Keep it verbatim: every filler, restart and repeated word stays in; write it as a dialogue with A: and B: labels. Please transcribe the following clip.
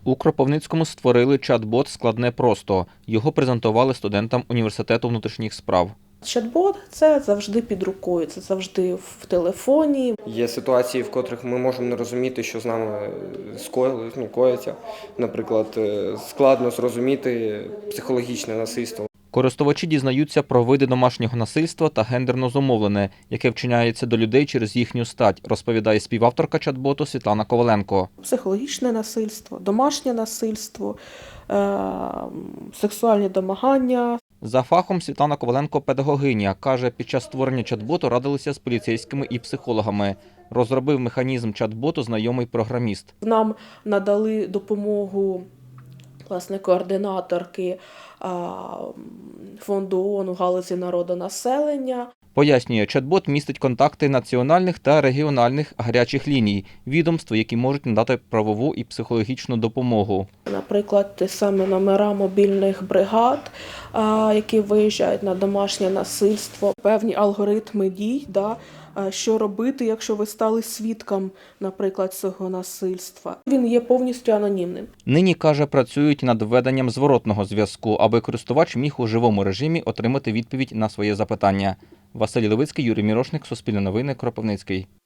A: У Кропивницькому створили чат-бот «Складне просто». Його презентували студентам університету внутрішніх справ.
B: Чат-бот – це завжди під рукою, це завжди в телефоні.
C: Є ситуації, в котрих ми можемо не розуміти, що з нами скоїли, ну, коїться. Наприклад, складно зрозуміти психологічне насильство.
A: Користувачі дізнаються про види домашнього насильства та гендерно зумовлене, яке вчиняється до людей через їхню стать, розповідає співавторка чат-боту Світлана Коваленко.
B: Психологічне насильство, домашнє насильство, е- сексуальні домагання.
A: За фахом Світлана Коваленко – педагогиня. Каже, під час створення чат-боту радилися з поліцейськими і психологами. Розробив механізм чат-боту знайомий програміст.
B: Нам надали допомогу власне координаторки фонду ООН у галузі народонаселення.
A: Пояснює, чат-бот містить контакти національних та регіональних гарячих ліній, відомств, які можуть надати правову і психологічну допомогу.
B: Наприклад, ті самі номера мобільних бригад, які виїжджають на домашнє насильство, певні алгоритми дій, да, що робити, якщо ви стали свідком, наприклад, цього насильства. Він є повністю анонімним.
A: Нині, каже, працюють над введенням зворотного зв'язку, аби користувач міг у живому режимі отримати відповідь на своє запитання. Василь Левицький, Юрій Мірошник, Суспільне новини, Кропивницький.